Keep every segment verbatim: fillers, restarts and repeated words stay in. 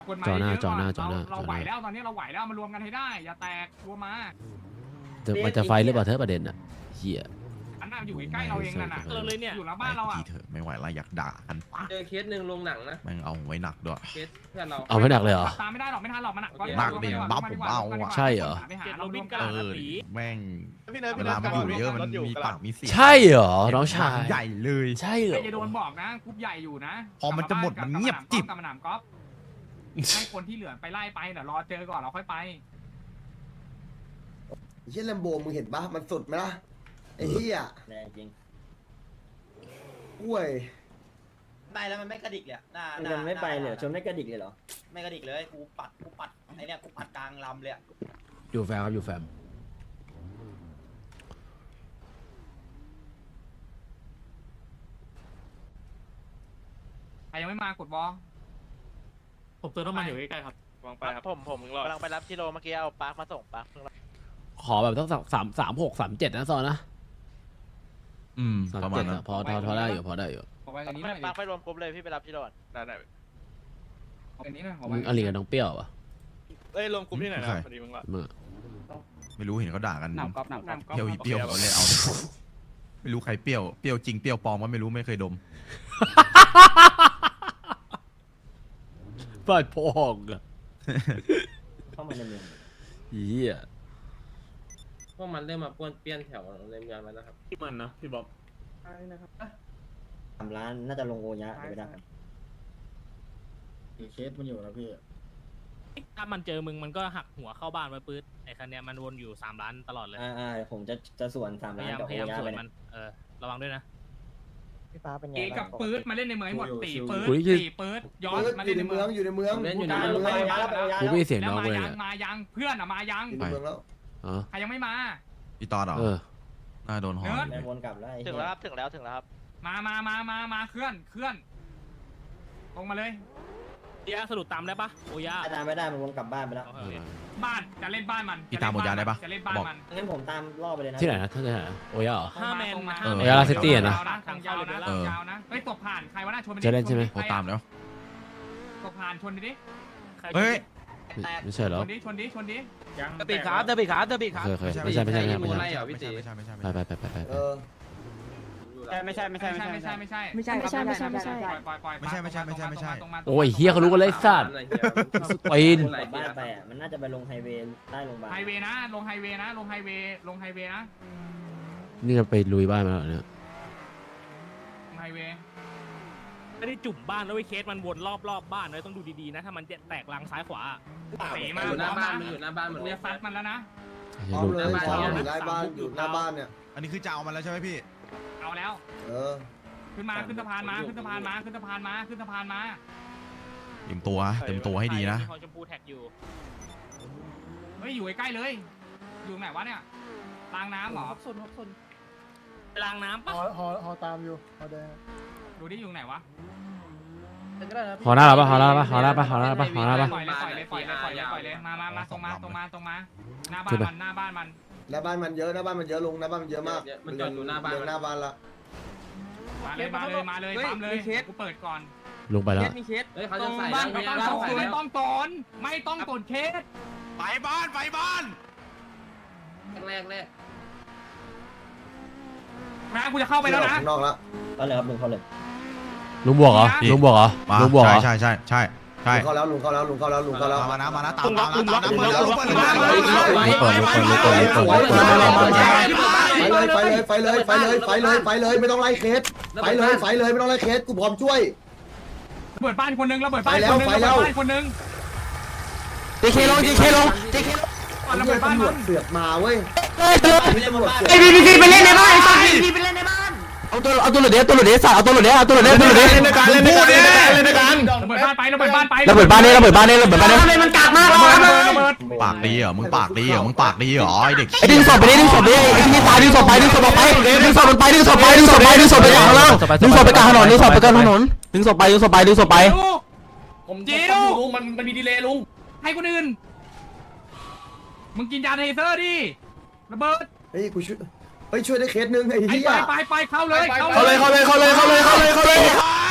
กฎหมายเยอะก่อนเราเราไหวแล้วตอนนี้เราไหวแล้วมารวมกันให้ได้อย่าแตกรวมมามันจะไฟหรือเปล่าเธอประเด็นอ่ะเหี้ยอันน่ะอยู่ใกล้เราเองนั่นน่ะเราเลยเนี่ยอยู่หลังบ้านเราอ่ะเถอะไม่ไหวละอยากด่ากันปะเจอเคสหนึ่งลงหนังนะแม่งเอาไว้หนักด้วยเคสเพื่อนเราเอาไม่หนักเลยเหรอตามไม่ได้หรอกไม่ทันหรอกมันหนักหนักดิบ้าผมเอาอ่ะใช่เหรอไปหาเรารวมเอกันอแม่งพี่เนิร์ดเวพี่เนิลาร์ดมันอยู่เยอะมันมีปากมีเสียงใช่เหรอน้องชายใหญ่เลยใช่เหรใครอจะโดนบอกนะกรุ๊ปใหญ่อยู่นะพอมันจะหมดมันเงียบจิ๊บกำมะหนามก๊อฟให้คนที่เหลือไปไล่ไปเดี๋ยวรอเจอก่อนเราค่อยไปไอ้เชี่ยแลมโบมึงเห็นปะมันสุดไหมล่ะไอ้เหี้ยแรงจริงอ้วยไปแล้วมันไม่กระดิกเลยหน้ามันไม่ไปเลยชนไม่กระดิกเลยเหรอไม่กระดิกเลยกูปัดกูปัดไอเนี่ยกูปัดกลางลำเลยอยู่แฟมครับอยู่แฟมใครยังไม่มากดบอลผมเติมน้ำมันอยู่ใกล้ๆครับวางไปครับผมผมกำลังไปรับที่โรเมื่อกี้เอาปาร์คมาส่งปาร์คขอแบบต้องสามสามสามหกสามเจ็ดนะซอนนะอืมสามประมาเจ็ณดนั้นอะพอพอพอได้อยู่พอได้อยู่ขอไปกันนี้หน่อยปาร์คไปรวมกลุ่มเลยพี่ไปรับที่โรได้ได้ขอกันนี้หน่อยขอมึไปงอลีกับน้องเปรี้ยวปะเอ้ยรวมกลุ่มที่ไหนนะพอดีมึงละมึงไม่รู้เห็นเขาด่ากันหนำก๊อฟหนำก๊อฟเปรี้ยวอีเปรี้ยวเขาเลยเอาไม่รู้ใครเปรี้ยวเปรี้ยวจริงเปรี้ยวปลอมก็ไม่รู้ไม่เคยดมฟาดพองอะเข้ามาในเมืองเหี้ยพวกมันเริ่มมาป้วนเปี้ยนแถวในเมืองแล้วนะครับพี่มันนะพี่บ๊อบสามล้านน่าจะลงโอยะไปได้เคสมันอยู่นะพี่ถ้ามันเจอมึงมันก็หักหัวเข้าบ้านไว้ปื๊ดไอ้คันเนี้ยมันวนอยู่สามล้านตลอดเลยอ่าอ่าผมจะจะส่วนสามพล้ายาน ยามกับพโอยายามยะสวไปนเนี่มัยนเออระวังด้วยนะพี่ฟ้าเป็นไงเอกับปื๊ดมาเล่นในเมืองให้หมดตีปื๊ดตีปื๊ดย้อนปื๊ดมาอเล่นยู่ในในเมืเมืออง งอยู่ในเมืองเล่นอยู่ในในเมืเมืออง งแล้วกูไม่เสียงแล้น้วองมาเลยยัเนี่งยมายังเพื่อนอะมายังอยู่ในเมืองแล้วอ๋อใครยังไม่มาอีตอดเหรอเออน่าโดนหอแม่วนกลับแล้วถึงแล้วครับถึงแล้วถึงแล้วครับมามามามามาเคลื่อนเคลื่อนลงมาเลยเดียสรุปตามได้ปะโอยาตามไม่ได้มันวนกลับบ้านไปแล้วโอเคบ้านจะเล่นบ้านมันอีตามหมดยาได้ปะจะเล่นบ้านบอกมันงั้นผมตามรอบไปเลยนะที่ไหนนะที่ไหนนะโอ้ยเหรอห้าแมนมาเออโอ้ยาลาซิตี้อะนะทางยาวนะทางยาวนะเฮ้ยตกผ่านใครวะน่าชนเจอเล่นใช่ไหมโทรตามแล้วตกผ่านชนดิดิเฮ้ยไม่ไม่ใช่เหรชอนดิชนดิชนดิเตอร์บีขาเตอร์บีขาเตอร์บีขาเคยเคยไม่ใช่ไม่ใช่ไม่ใช่ไม่มูใช่ไล่เหรอพี่ตีไม่ใช่ไม่ใช่ไม่ไปใช่ไปไปไปไปเออไม่ใช่ไม่ใช่ไม่ไม่ใช่ใช่ไม่ไม่ใช่ใช่ไม่ใช่ไม่ใช่ไม่ใช่ไม่ใช่ไม่ใช่ปล่อยปล่อยปล่อยไม่ใช่ไม่ใช่ไม่ใช่ไม่ใช่ตรงมาโอ้ยเฮียเขารู้กันเลยสัตว์ ปีนกลับบ้านไปอ่ะมันน่าจะไปลงไฮเวย์ใต้โรงพยาบาลไฮเวย์นะลงไฮเวย์นะลงไฮเวย์ลงไฮเวย์นะนี่ก็ไปลุยบ้านมาแล้วเนี่ยลงไฮเวย์ไม่ได้จุ่มบ้านแล้วไอ้เคสมันวนรอบรอบบ้านเลยต้องดูดีๆนะถ้ามันจะแตกลังซ้ายขวาเตะมาอยู่หน้าบ้านมันอยู่หน้าบ้านหมดเรียกซัดมันแล้วนะพร้อมเลยพร้อมอยู่หน้าบ้านอยู่หน้าบ้านเนี่ยอันนี้คือจะเอามันแล้วใช่ไหมพี่เอาแล้วเออขึ้นมาขึ้นสะพานมาขึ้นสะพานมาขึ้นสะพานมาขึ้นสะพานมาเต็มตัวเต็มตัวให้ดีนะมีคอชมพูแท็กอยู่เฮ้ยอยู่ใกล้ๆเลย อยู่ไหนวะเนี่ยรางน้ำเหรอไปล้างน้ำปะฮอฮอฮอตามอยู่ฮอแดงดูดิอยู่ไหนวะหอหน้าเราปะหอหน้าปะหอหน้าปะหอหน้าปะหอหน้าปะปล่อยเลยปล่อยเลยปล่อยเลยปล่อยเลยปล่อยเลยมามามาตรงมาตรงมาตรงมาหน้าบ้านมันหน้าบ้านมันหน้าบ้านมันเยอะหน้าบ้านมันเยอะลุงหน้าบ้านมันเยอะมากมันจอดอยู่หน้าบ้านเดินหน้าบ้านละมาเลยมาเลยมาเลยปั๊มเลยกูเปิดก่อนลงไปแล้วมีเคสเฮ้ยเขาตรจะงใส่บ้านแล้วไม่ต้องเขาตนใส่ไม่แล้วต้องตนไม่ต้องตนเคสไปบ้านไปบ้านแรกแรกนะกูจะเข้าไปแล้วนะข้างนอกละก็เลยครับลุงเขาเลยลุงบวกเหรอลุงบวกเหรอมาลุงบวกเหรอใช่ใช่ใช่ใช่ลุงเข้าแล้วลุงเข้าแล้วลุงเข้าแล้วลุงเข้าแล้วมานะมานะตามตามตามตามเปิดแล้วเปิดแล้วเปิดเปิดเปิดเปิดเปิดเปิดเปิดเปิดไปเลยไปเลยไปเลยไปเลยไปเลยไปเลยไม่ต้องไล่เคสไปเลยไปเลยไม่ต้องไล่เคสกูพร้อมช่วยเปิดบ้านคนนึงแล้วเปิดบ้านคนนึงไปแล้เปิวดบ้านคนนึงจีเคลงจีเคลงจีเคลงก่อนแล้วเปิดบ้านตำรมัวจนเสือกมาเว้ยไอพีพีไปเล่นในบ้านไอ้สัตว์พีพีไปเล่นในบ้านเอาตัวเอาตัวหลุดเดสตัวหลุดเดสสัตว์เอาตัวหลุดเดสเอาตัวหลุดเดสตัวหลุดเดสเล่นในการเล่นในการเล่นในการเปิดบ้านไปเราเปิดบ้านไประเบิดบ้านนี่ระเบิดบ้านนี่ระเบิดบ้านนี่ทำไมมันกากมากระวะเบิดระเบิดปากดีเหรอมึงปากดีเหรอมึงปากดีเหรอไอเด็กไอ้ดึงศพไปดิดึงศพไปดิไอ้ที่ตายดึงศพไปดึงศพออกไปดึงศพมันไปดึงศพไปดึงศพไปดึงศพไปกลางถนนดึงศพไปกลางถนนดึงศพไปกลางถนนดึงศพไปดึงศพไปดึงศพไปผมจิวลุงมันมันมีดีเลย์ลุงให้คนอื่นมึงกินยาเทเซอร์ดิระเบิดเฮ้ยกูช่วยเฮ้ยช่วยได้เคสนึงไอ้ไปเหี้ยไปไปเข้าเลยเข้าเลยเข้าเลยเข้าเลยเข้าเลยเข้าเลยเข้าเลย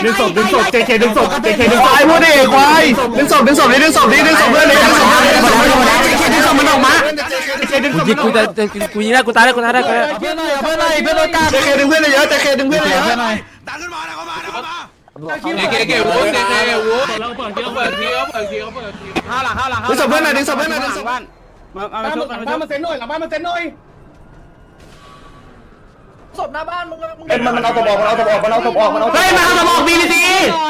ดึงศพดึงศพเจเคดึงศพเจเคดึงศพพูดดิควายดึงศพดึงศพนี่ดึงศพนี่ดึงศพเพื่อนเลยดึงศพเพื่อนเลยดึงศพเพื่อนเลยเจเคดึงศพมันออกมาเจเคดึงศพมันออกมากูยิงได้กูตายได้กูตายได้เพื่อนหน่อยเพื่อนหน่อยเพื่อนโดนกล้าเจเคดึงเพื่อนเลยเยอะเจเคดึงเพื่อนเลยเยอะดันขึ้นมาดันเข้ามาดันเข้ามาเก๋เก๋วูเก๋เก๋วูเราเปิดทีเขาเปิดทีเขาเปิดทีเขาเปิดทีห้าหลังห้าหลังดึงศพเพื่อนหน่อยดึงศพเพื่อนหน่อยดึงศพบ้านมาเอามาชุบมาชุบมาเซ็นหน่อยหลังบ้านมาเซ็นหน่อยศพหน้าบ้านมึงมึงเป็นมันมันเอาตัวบอกมันเอาตัวบอกมันเอาตัวบอกมันเอาตัวเฮ้ยมาเอาสมองบีบีซี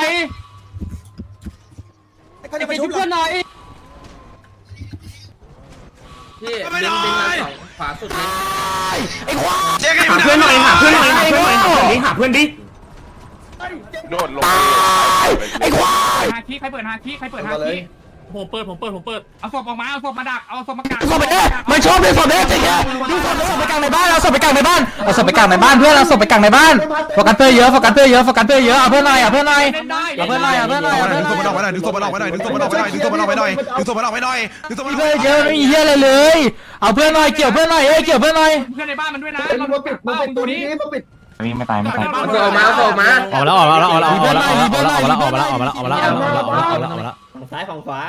เขาจะไปชุบเพื่อนหน่อยพี่ดึงดึงมาสองขวาสุดเลยไอ้ควายเจ๊กันอยู่หาเพื่อนหน่อยหาเพื่อนหน่อยหาเพื่อนหน่อยหาเพื่อนดิหาเพื่อนดิโดดลงไอ้ควายฮาคิใครเปิดฮาคิใครเปิดฮาคิผมเปิดผมเปิดผมเปิดเอาศพออกมาเอาศพมาดักเอาศพมากางศพไปเด้มันชอบดึงศพเด้จริงๆดึงศพดึงศพไปกลางในบ้านเอาศพไปกลางในบ้านเอาศพไปกลางในบ้านเพื่อนเอาศพไปกลางในบ้านโฟกัสเตอร์เยอะโฟกัสเตอร์เยอะโฟกัสเตอร์เยอะเอาเพื่อนหน่อยเอาเพื่อนหน่อยเล่นได้เอาเพื่อนหน่อยเอาเพื่อนหน่อยเอาเพื่อนหดึงน่ศพมันออกอยไปหน่อยดึงศพมันออกไปหน่อยดึงศพมันออกไปหน่อยดึงศพมันออกไปหน่อยดึงศพมันออกไปหน่อยดึงศพมันออกเพื่ไปอนหเยน่ออะยไม่มีเหี้ยอะไรเลยเอาเพื่อนหน่อยเกี่ยวเพื่อนหน่อยเอ้ยเกี่ยวเพื่อนหน่อยเพื่อนในบ้านมันด้วยนะมันเรามาปิดมันเป้าปิดดูตัวนี้นี้มาปิดไม่ตายไม่ตายออกมาออกมาออกแล้วออกแล้วออกแล้วออกแล้วออกแล้วออกแล้วออกแล้วออกแล้วออกแล้วออกแล้วออกแล้วออกแล้วออกแล้วออกแล้วออกแล้วฝั่งซ้ายฝั่งขวา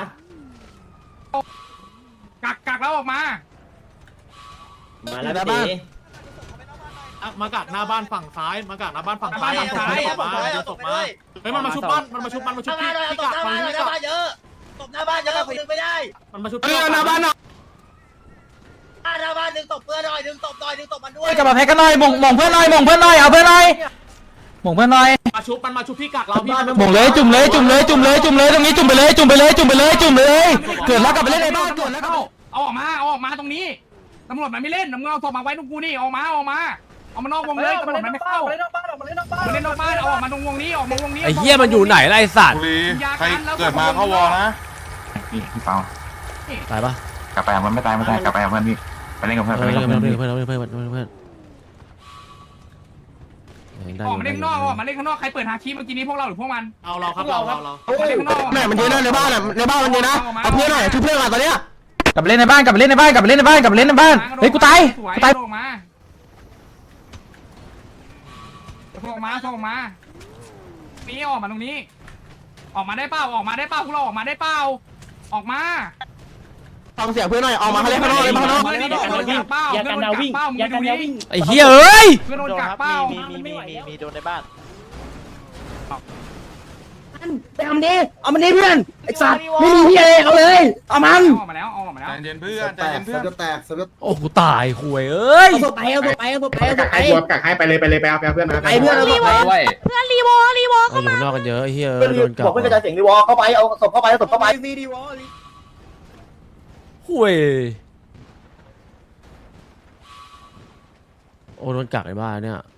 กักกักแล้วออกมามาแล้วพี่ตีมากักหน้าบ้านฝั่งซ้ายมากักหน้าบ้านฝั่งซ้ายฝั่งซ้ายมาเอาศพมาเฮ้ยมันมาชุบบ้านมันมาชุบมันมาชุบพี่พี่กักมันพี่กักเยอะศพหน้าบ้านเยอะคนดึงไม่ได้มันมาชุบเพื่อนหน้าบ้านหน่อยหน้าบ้านดึงศพเพื่อนหน่อยดึงศพหน่อยดึงศพมันด้วยกลับมาแพ็กกันหน่อยมงมงเพื่อนหน่อยมงเพื่อนหน่อยเอาเพื่อนหน่อยมงเพื่อนหน่อยมาชุบมันมาชุบพี่กักเราพี่มงเลยจุ่มเลยจุ่มเลยจุ่มเลยจุ่มเลยตรงนี้จุ่มไปเลยจุ่มไปเลยจุ่มไปเลยจุ่มเลยเกิดแล้วกลับไปเล่นในบ้านเกิดแล้วเอาเอาออกมาเอาออกมาตรงนี้ตำรวจมันไม่เล่นตำรวจเอาศพมาไว้ตรงกูนี่ออกมาออกมาเอามานอกวงเลยตำรวจมันไม่เข้ามาเล่นนอกบ้านออกมาเล่นนอกบ้านมาเล่นนอกบ้านเอาออกมาตรงวงนี้ออกมาวงนี้ไอ้เหี้ยมันอยู่ไหนล่ะไอ้สัตว์ใครเกิดมาเข้าวอนะพี่พี่เปาตายปะกลับไปมันไม่ตายไม่ตายกลับไปเพื่อนพี่ไปเล่นกับเพื่อนไปเพื่อนเล่นกับเพื่เพื่ออน นเพื่อนเพื่อนเพื่อนเพื่อนเพื่อนออกมาเล่นข้างนอกออกมาเล่นข้างนอกใครเปิดฮาคิเมื่อกี้นี้พวกเราหรือพวกมันเอาเราครับเราเราเรามาเล่นข้างนอกแม่มันเยอะนะในบ้านอ่ะในบ้านมันเยอะนะเอาเพื่อนหน่อยช่วยเพื่อนก่อนตอนเนี้ยกลับไปเล่นในบ้านกลับไปเล่นในบ้านกลับไปเล่นในบ้านกลับไปเล่นในบ้านเฮ้ยกูตายสวยกูตายออกมาออกมาออกมานี่ออกมาตรงนี้ ออกมาได้เปล่าออกมาได้เปล่าพวกเราออกมาได้เปล่าออกมาฟังเสียงเพื่อนหน่อยออกมาเล่นข้างนอกเลยข้างนอกเพื่อนโดนกักเป้าเพื่อนโดนกักเป้ามึงดูดิไอ้เหี้ยเอ้ยเพื่อนโดนกักเป้ามีมีมีมีมีโดนในบ้านไปเอามันดิเอามันดิเพื่อนไอ้สัตว์ไม่มีพี่เอเอาเลยเอามันออกมาแล้วออกมาแล้วใจเย็นเพื่อนใจแตเย็กนเสืเพื่อนอแตกเสือโอ้กูตายคุยเอ้ยเอาศพไปเอาศพไปเอาศพไปเอาศพไปกักให้ไปเลยไปเลยไปเอาไปเอาเพื่อนมาไปเพื่อนเอาศพไปเพื่อนรีโวรีโวเราอยู่นอกกันเยอะไอ้เหี้ยเพื่อนโดนกับอกเพื่อนกระจายเสียงดีวอเข้าไปเอาศพเข้าไปเอาศพเข้าไปคุยโอ้โดนกักในบ้านเนี่ย